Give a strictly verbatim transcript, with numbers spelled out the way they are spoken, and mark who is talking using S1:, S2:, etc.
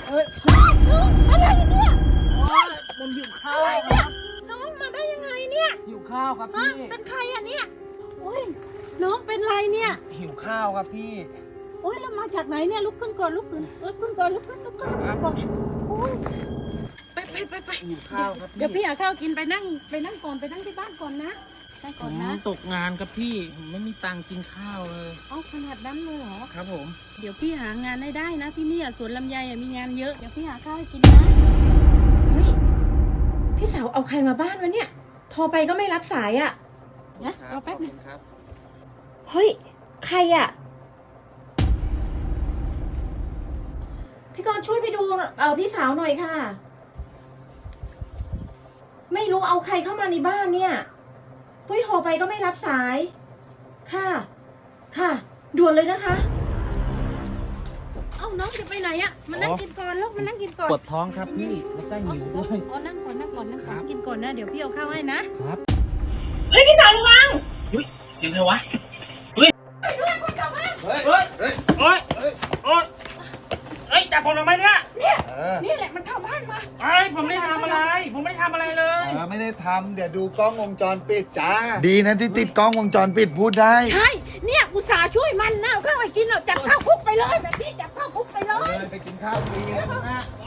S1: เอ้ย
S2: น้องอะไรเนี่ย
S1: โอ้ยผมหิวข้าวครับ
S2: น้องมาได้ยังไงเนี่ย
S1: หิวข้าวครับ
S2: ฮะ
S1: พี่
S2: เป็นใครอ่ะเนี่ยโอ้ยน้องเป็นไรเนี่ย
S1: หิวข้าวครับพี่
S2: โอ้ยแล้วมาจากไหนเนี่ยลุกขึ้นก่อนลุกขึ้นลุกขึ้นก่อนลุกขึ้นลุกขึ้น
S1: ครับ
S2: ก่อนโอ้ยไปไปไปไป
S1: หิวข้าวครับพี่
S2: เดี๋ยวพี่หาข้าวกินไปนั่งไปนั่งก่อนไปนั่งที่บ้านก่อนนะนั่ง
S1: ผ
S2: ก่อน
S1: ม
S2: นะ
S1: ตกงานครับพี่ผมไม่มีตังค์กินข้าวเลย
S2: เอาขนาดนั้นเลยเหรอ
S1: ครับผม
S2: เดี๋ยวพี่หางานให้ได้นะที่นี่อะสวนลำไยอะมีงานเยอะเดี๋ยวพี่หาข้าวให้กินนะ
S3: เฮ้ย พี่สาวเอาใครมาบ้านวะเนี่ย โทรไปก็ไม่รับสายอะ่ะ
S2: นะรอแป๊บนึง
S1: ครับ
S3: เฮ้ย ใครอะ่ะ พี่กรณ์ช่วยไปดูเออพี่สาวหน่อยค่ะ ไม่รู้เอาใครเข้ามาในบ้านเนี่ยพี่โทรไปก็ไม่รับสาย ค่ะ ค่ะ ด่วนเลยนะคะ
S2: เอ้าน้องจะไปไหนอะมานั่งกินก่อนลูกมานั่งกินก่อน
S1: ปวดท้องครับพี่แล้วก็หิวด้วย
S2: อ๋อนั่งก่อนนั่งก่อนนั่งก่อน
S1: ครับ
S2: กินก่อนนะเดี๋ยวพี่เอาข้าวให้นะ
S1: ครับ
S3: เฮ้ย พี่สาวระวัง
S1: อุ้ยยังไงวะเฮ้ยเฮ้ยเฮ้ยโอ๊ยโอ๊ยเฮ้ยจับผมทำไมเนี่ย
S4: เออ
S2: นี่แหละมันเข้าบ้านมา
S1: เอ้ยผมไม่ได้ทำอะไร ผมไม่ได้ทำอะไรเลย
S4: เออไม่ได้ทำเดี๋ยวดูกล้องวงจรปิดจ้า ดีนะที่ติดกล้องวงจรปิดพูดได้
S2: ใช่เนี่ยอุตส่าห์ช่วยมันนะเอาข้าวให้กินเอาจับข้าวคุกไปเลยแบบนี้จับข้าวคุกไปเล
S4: ไปเลย ยไปกินข้าวฟรีนะ